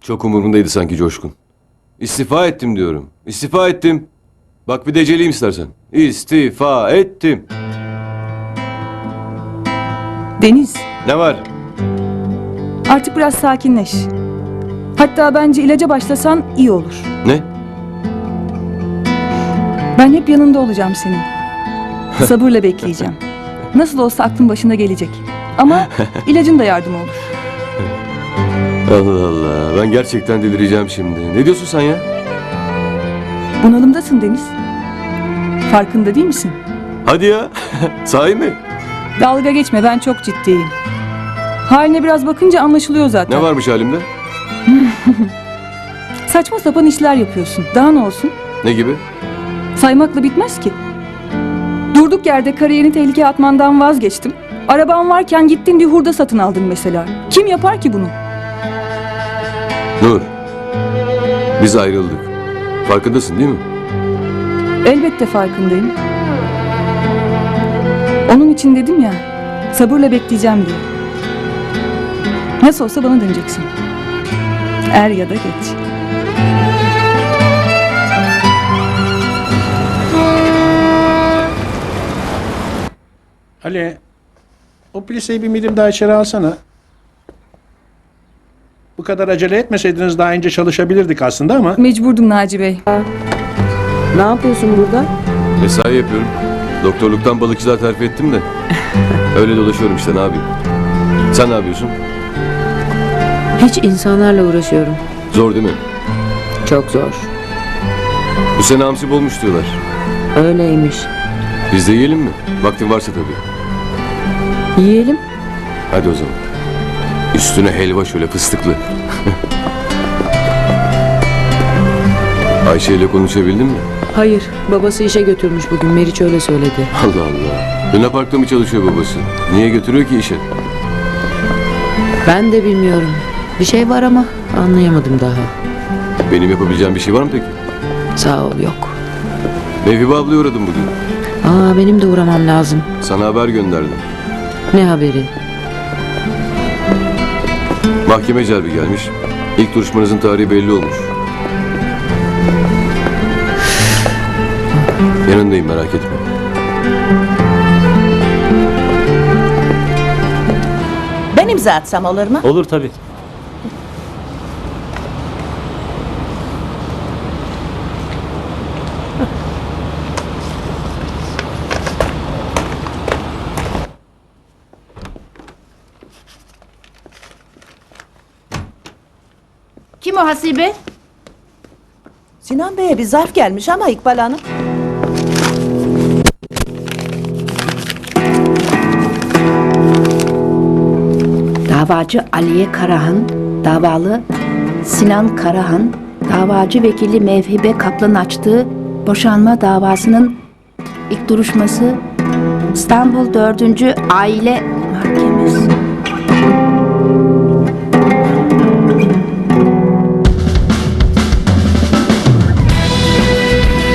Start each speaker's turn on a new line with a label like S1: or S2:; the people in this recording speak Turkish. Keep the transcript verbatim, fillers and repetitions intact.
S1: Çok umurumdaydı sanki Coşkun. İstifa ettim diyorum. İstifa ettim. Bak bir deceleyim istersen. İstifa ettim.
S2: Deniz,
S1: Ne var?
S2: artık biraz sakinleş. Hatta bence ilaca başlasan iyi olur.
S1: Ne?
S2: Ben hep yanında olacağım senin. Sabırla bekleyeceğim. Nasıl olsa aklın başına gelecek. Ama ilacın da yardım olur.
S1: Allah Allah. Ben gerçekten delireceğim şimdi. Ne diyorsun sen ya?
S2: Bunalımdasın Deniz. Farkında değil misin?
S1: Hadi ya. Sahi mi?
S2: Dalga geçme, ben çok ciddiyim. Haline biraz bakınca anlaşılıyor zaten.
S1: Ne varmış halimde?
S2: Saçma sapan işler yapıyorsun. Daha ne olsun?
S1: Ne gibi?
S2: Saymakla bitmez ki. Durduk yerde kariyerini tehlikeye atmandan vazgeçtim. Araban varken gittin bir hurda satın aldın mesela. Kim yapar ki bunu?
S1: Nur. Biz ayrıldık. Farkındasın değil mi?
S2: Elbette farkındayım. Onun için dedim ya, sabırla bekleyeceğim diye. Nasıl olsa bana döneceksin. Er ya da geç.
S3: Ali, o pliseyi bir milim daha içeri alsana. Bu kadar acele etmeseydiniz daha önce çalışabilirdik aslında ama...
S2: Mecburdum Naci Bey.
S4: Ne yapıyorsun burada?
S1: Mesai yapıyorum. Doktorluktan balıkçılığa terfi ettim de. Öyle dolaşıyorum işte, ne yapayım? Sen ne yapıyorsun?
S4: Hiç insanlarla uğraşıyorum.
S1: Zor değil mi?
S4: Çok zor.
S1: Bu sene hamsi bolmuş diyorlar.
S4: Öyleymiş.
S1: Biz de yiyelim mi? Vaktin varsa tabii.
S4: Yiyelim.
S1: Hadi o zaman. Üstüne helva şöyle fıstıklı. Ayşe ile konuşabildin mi?
S4: Hayır, babası işe götürmüş bugün. Meriç öyle söyledi.
S1: Allah Allah. Luna Park'ta mı çalışıyor babası? Niye götürüyor ki işe?
S4: Ben de bilmiyorum. Bir şey var ama anlayamadım daha.
S1: Benim yapabileceğim bir şey var mı peki?
S4: Sağ ol, yok.
S1: Mevhibe ablaya uğradım bugün.
S4: Aa, benim de uğramam lazım.
S1: Sana haber gönderdim.
S4: Ne haberi?
S1: Mahkeme celbi gelmiş. İlk duruşmanızın tarihi belli olmuş. Yanındayım, merak etme.
S5: Ben imza atsam olur mu?
S6: Olur tabii.
S5: Kim o Hasibe? Sinan Bey'e bir zarf gelmiş ama İkbal Hanım.
S7: Davacı Aliye Karahan, davalı Sinan Karahan, davacı vekili Mevhibe Kaplan açtığı boşanma davasının ilk duruşması İstanbul dördüncü Aile Mahkemesi.